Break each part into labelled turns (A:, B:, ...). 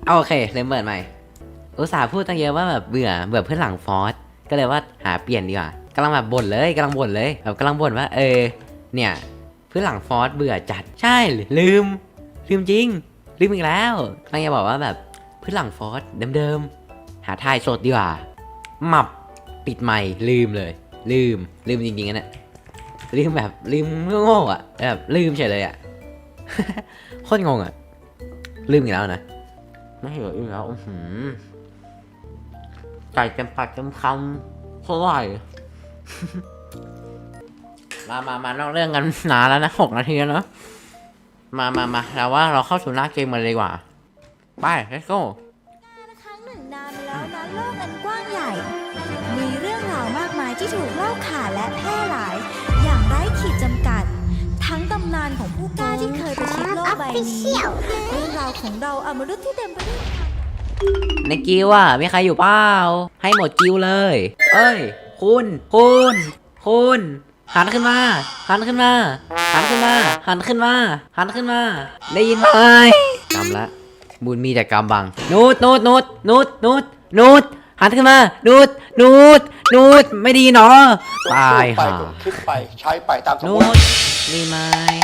A: โอเคเลยเปิดใหม่อุตส่าห์พูดตั้งเยอะว่าแบบเบื่อเพื่อนหลังฟอสก็เลยว่าหาเปลี่ยนดีกว่ากำลังแบบบ่นเลยแบบกำลังบ่นว่าเนี่ยเพื่อนหลังฟอสเบื่อจัดใช่ลืมจริงลืมอีกแล้วตั้งใจบอกว่าแบบเพื่อนหลังฟอสเดิมหาทายสดดีกว่าหมับปิดใหม่ลืมเลยลืมจริงๆนะลืมแบบลืมโง่อะแบบลืมเฉยเลยอะโคตรงงอะลืมอีกแล้วนะไม่เหลืออีกแล้วไก่เต็มปากเต็มคำเท่าไหร่มานอกเรื่องกันนานแล้วนะ6 นาทีแล้วเนาะมาแล้วว่าเราเข้าสู่หน้าเกมมาเลยดีกว่าไป let's go
B: ครั้งหนึ่งนานมาแล้วนะโลกอันกว้างใหญ่ มีเรื่องราวมากมายที่ถูกเล่าขานและแพร่หลาย อย่างไร้ขีดจำกัด ทั้งตำนานของผู้กล้าที่เคยประชิดโลกใบนี้เรื่องราวของเราอมนุษย์ที่เต็มไปด้วย
A: ในกิวอ่ะมีใครอยู่เปล่าให้หมดกิวเลยเอ้ยคุณหันขึ้นมาได้ยินไหมกำละบุญมีแต่กำบังนูดหันขึ้นมานูดไม่ดีเนาะตายห่า
C: คิดไปใช้ไปตามสมม
A: นู
C: ติ
A: ดดีไหม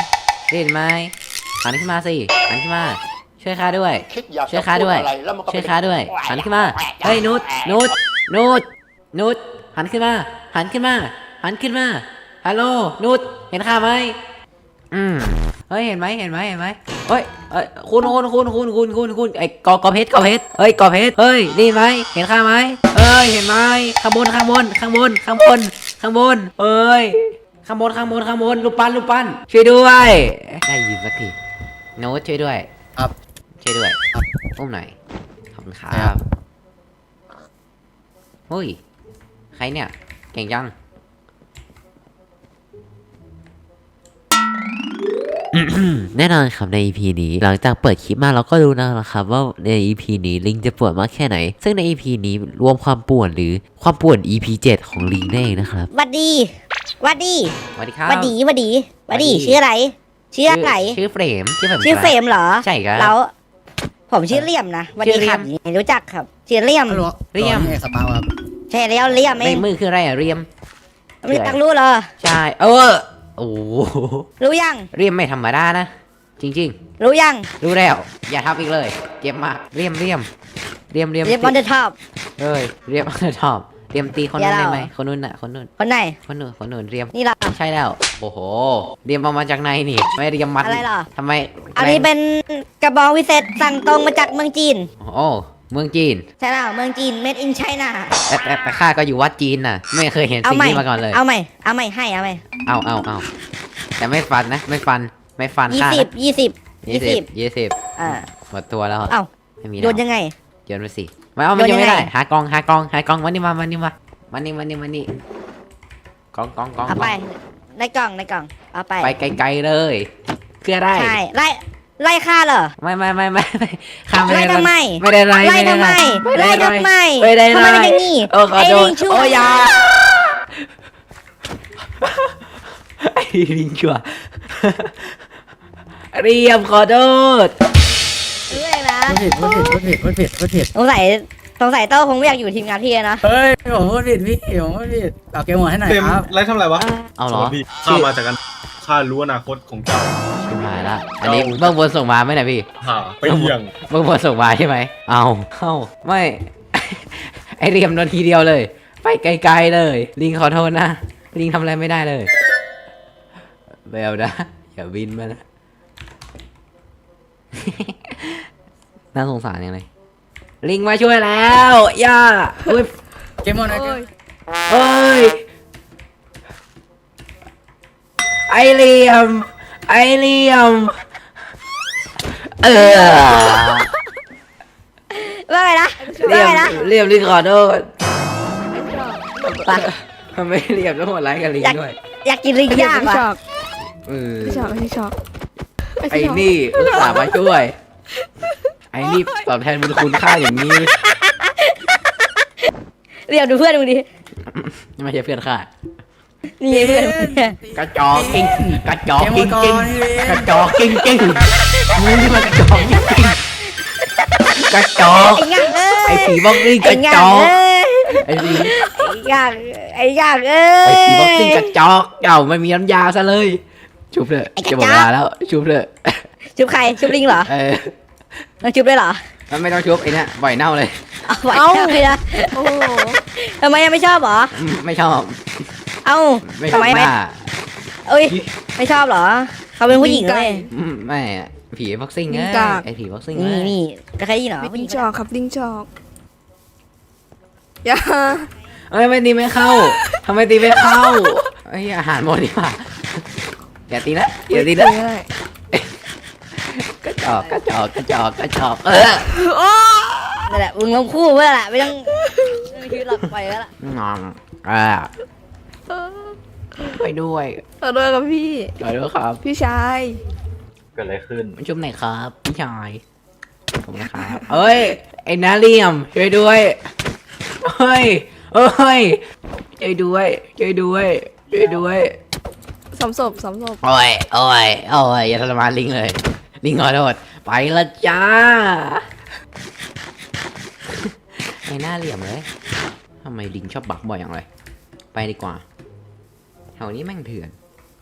A: หันขึ้นมาสิหันขึ้นมาช่วยข้าด้วย
C: คิดอยาก
A: ช่วย
C: จะ
A: ข้า
C: พูด
A: ด้วย
C: อะไรแล้วมันก็
A: ช่วยข้าด้วยหันขึ้นมาเฮ้ยนูดหันขึ้นมาฮัลโหลนูดเห็นข้าไหมเฮ้ยเห็นไหมเฮ้ยคุณไอ้กอเพชรเฮ้ยกอเพชรเฮ้ยได้ไหมเห็นข้าไหมเฮ้ยเห็นไหมข้างบนเอ้ยข้างบนลูกปั้นช่วยด้วยได้ยินสักทีโน้ตช่วยด้วยครับช่วยด้วยครับอุ้มหน่อยขอบคุณครับเฮ้ยใครเนี่ยเก่งจังแน่นอนครับใน EP นี้หลังจากเปิดคลิปมาเราก็รู้นะครับว่าใน EP นี้ลิงจะป่วนมากแค่ไหนซึ่งใน EP นี้รวมความป่วนหรือความป่วน EP 7ของลิงนั่นเองนะครับ
B: วัดดี
A: สวัสดีครับ
B: ชื่ออะไร
A: ชื่อเฟรม
B: เหรอ
A: ใช่ครับ
B: แล้วผมชื่อเลี่ยมนะวัดดีครับรู้จักครับชื่อเลี่ยม
D: สปาวครับ
B: ใช่แล้วเลี่ยมเอ
A: ใน
B: ง
A: มือคืออะไรอะเรียม
B: ไม่ตักรู้เหรอ
A: ใช่โอ้
B: รู้ยัง
A: เรียมไม่ธรรมดานะจริง
B: รู้ยัง
A: รู้แล้วอย่าทับอีกเลยเจ็บมากเรียม
B: เรียมบอลเดอร์ท็อป
A: เรียมบอลเดอร์ท็อปเรียมตีคนนั้นได้ไหมคนนู้น
B: คนไหน
A: คนนู้นเรียม
B: นี่ล่ะ
A: ใช่แล้วโอ้โหเรียมเอามาจากไหนนี่ไม่เรียมมัด
B: อะไรล่ะ
A: ทำไม
B: อันนี้เป็นกระบองวิเศษสั่งตรงมาจากเมืองจีน
A: โอ้เมืองจีน
B: ใช่แล้วเมืองจีน made in China
A: แต่ข้าก็อยู่วัดจีนน่ะไม่เคยเห็นสิ่งนี้มาก่อนเลย
B: เอาใหม่ให้
A: เอาแต่ไม่ฟันข้า20หมดตัวแล้ว
B: ไม่มีโยนยังไง
A: โยนไปสิไม่เอามันยังไม่ได้หากองวันนี้มากอง
B: เอาไปในกล่องเอาไป
A: ไกลๆเลยคืออะไร
B: ใช่ไล่ฆ่าเหรอ
A: ไม่ข้าไม่ได้
B: ไล่ทำไม
A: ไม่ได้ไล่
B: ทำไม
A: ไม่ได้ไล่
B: ทำไมเป็นอย่างนี้
A: ไอ้ลิงชั่วไอ้ลิงชั่วเรียมขอโทษ
B: รู้เองนะ
D: พูดผิด
B: สงสัยโต้คงไม่อยากอยู่ทีมงานพี่นะ
D: เฮ้ยผมพูดผิดพี่ผมพูดผิดเอาเกมหมดให้หน่อยครับ
E: ไล่ทำอะไรวะ
A: เอาเหรอ
E: ข้ามาจากกันข้ารู้อนาคตของเจ้า
A: ชิบหายละอันนี้เบื้องบนส่งมาไหมนะพี่
E: ไปเยี่ยง
A: เบื้องบนส่งมาใช่ไหมเอาไม่ไอเรียมโดนทีเดียวเลยไปไกลๆเลยลิงขอโทษนะลิงทำอะไรไม่ได้เลยเบลนะอย่าบินมานะน่าสงสารยังไงลิงมาช่วยแล้วย่า
D: เกมหมดนะ
A: เอ้ยไอเลียม
B: ว่าไงนะ
A: เรียมลิงขอโทษทำไมเรียมต้องหัวไล่กับลิงด้วย
B: อยากกินลิงย่างว่ะ
F: ไม่ชอบ
A: ไอ้นี่อุตส่าห์มาช่วยไอ้นี่ตอบแทนบุญคุณค่าอย่างนี้
B: เรียกดูเพื่อนดูดิ
A: ไม่ใช่เพื่อนค่า
B: นี่เพื่อน
A: กระจอกกิ้งมึงนี่มันกระจอกกิ้งกระจอก
B: ไอ้งั่งเอ้ย
A: ไอ้ผีบ็อกซิ่งก
B: ไอ้
A: ระ
B: งั่
A: จ
B: ง
A: อก
B: เอ้ย
A: ไอ้ผี
B: ไอ้งั่งไอ้งั่งเอ้
A: ไอ้
B: ย
A: ผีบ็อกซิ่งกระจอกเอ้าไม่มีน้ำยาซะเลยชุบเลย
B: ไอ้กระ
A: จะ
B: จอก
A: หมดเวลาแล้วชุบเลย
B: ชุบใครชุบลิงเหรอ
A: เออ
B: ต้องชุบด้วยเหรอ
A: มันไม่ต้องชุบไอ้เนี่ยปล่อยเน่าเลย
B: เอาไว้เลยนะ
F: โอ้โห
B: ทำไมยังไม่ชอบเหรอ
A: ไม่ชอบ
B: เอ้า
A: ไม่ช
B: ทำ
A: อบ
B: ไม
A: หน้า
B: เอ้ยไม่ชอบเหรอเขาเป็นผู้หญิงเลย
A: ไม่อะผีบ็อกซิ่งไงไอ้ผีบ็อกซิ่ง
B: นี่นี่จะเคยได้ยินเหรอ
F: ลิงจอกครับลิงจอกอย่า
A: เอ้ยไม่ตีไม่เข้าทำไมตีไม่เข้าไอ้ยอาหารหมดดีกว่าอย่าตีนะอย่าตีนะ
F: ไม่ได้
A: กระจอกกระจอกกระจอกกระจอก
B: นั่นแหละมึงลงคู่เพื่อแหละไม่ต้องไม่คิดหลับไปแล้วล่ะ
A: งองไปด้วย
F: ขอโทษครับพี่
A: ไปด้วยครับ
F: พี่ชาย
E: เกิดอะไรขึ้น
A: มันชุบไหนครับพี่ชายผมนะครับเอ้ยไอ้นาเลียมช่วยด้วยเฮ้ยเอ้ยช่วยด้วยช่วยด้วยช่วยด้วย
F: สมศพสมศพ
A: โอ้ยโอ้ยโอ้ยอย่าทรมานลิงเลยลิงขอโทษไปละจ้าไอ้หน้าเหลี่ยมเลยทำไมลิงชอบบักบ่อยอย่างไรไปดีกว่าแถวนี้แม่งเถื่อน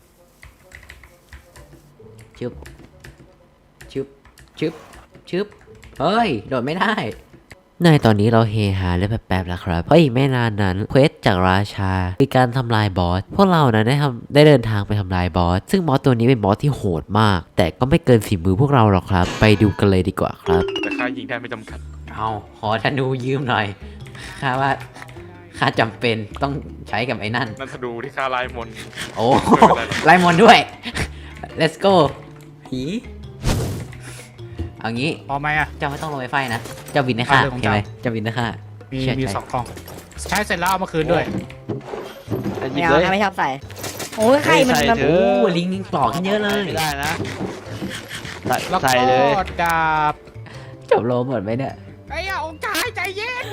A: ชึบชึบชึบชึบเฮ้ยโดดไม่ได้ในตอนนี้เราเฮฮาเล่นแป๊บๆแล้วครับเพราะอีกไม่นานนั้นเควสจากราชาคือการทำลายบอสพวกเรานะได้เดินทางไปทำลายบอสซึ่งบอสตัวนี้เป็นบอสที่โหดมาก แต่ก็ไม่เกินฝีมือพวกเราหรอกครับ ไปดูกันเลยดีกว่าครับ
E: แต่ค่ายิงได้ไม่จำกัด
A: เอาขอธนูยืมหน่อยข้าว่าข้าจำเป็นต้องใช้กับไอ้นั่น
E: นั่นถ้าดูที่ค่าลายมนต์
A: โอ้
E: ไม่เป็นไรหรอก
A: ไล่มอนด้วย let's go ผีเอางี้
G: พอไหมอ่ะ
A: เจ้าไม่ต้องลงไปไฟนะเจ้าบินนะค่ะ
G: เอาเรื่องของ
A: ใช่ไหม
G: เจ้า
A: เจ้าบินนะค่ะ
G: มี
A: เชื่
G: มี
A: ใจ
G: 2 กล่อง ใช้เสร็จแล้วเอามาคืนด้วย
B: ไม่เอาไม่ชอบใส่โอ้ยใครมันมัน
A: โอ้ลิงปลอกกันเยอะเลย
H: ไม่ได้นะ
G: แล้วก็
H: ใส่เลย
G: ดาบ
A: จบโลหมดไหมเนี่ย
G: ไอ้ยาองค์ชายใจเย็น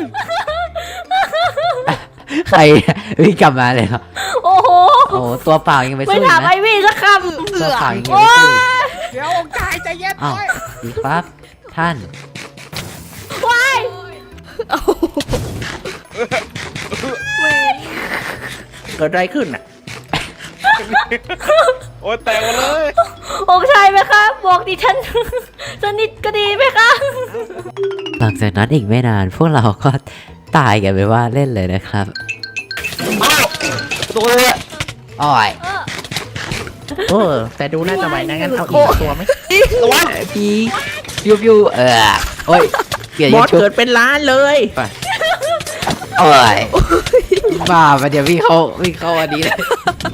A: ใครวิ่งกลับมาเลยเหรอ
B: โอ้โห
A: โอ้ตัวเปล่ายังไป
B: ไม่
A: สู้อี
B: ถาก ม
A: นะ
B: ไอวี่สักคำ
A: ตัวเปล่ายังไปสู้อีก
G: เดี๋ยวองค์ชายใจเย็น
A: อ้าว
G: ด้วย
A: ดีครับท่าน เกิดอะไรขึ้นอ่ะ
E: โอ้ยแตกหมดเลย
B: องค์ชายไหมคะบอกดิฉัน สนิทก็ดีไหมคะ
A: หลังจากนั้นอีกไม่นานพวกเราก็ตายกันไปว่าเล่นเลยนะครับ
H: ตัวเลย
A: อ้อย
H: เออแต่ดูน่าจะไหวนะงั้นเอาอีกตัวไหม
A: พียูโอ้ยเปลี่ยน
H: บ
A: ยู
H: อส
A: ทูบ
H: เกิดเป็นล้านเลย
A: โอ้ยบ้าไปเดี๋ยววิ่งเข้าอันนี้เลย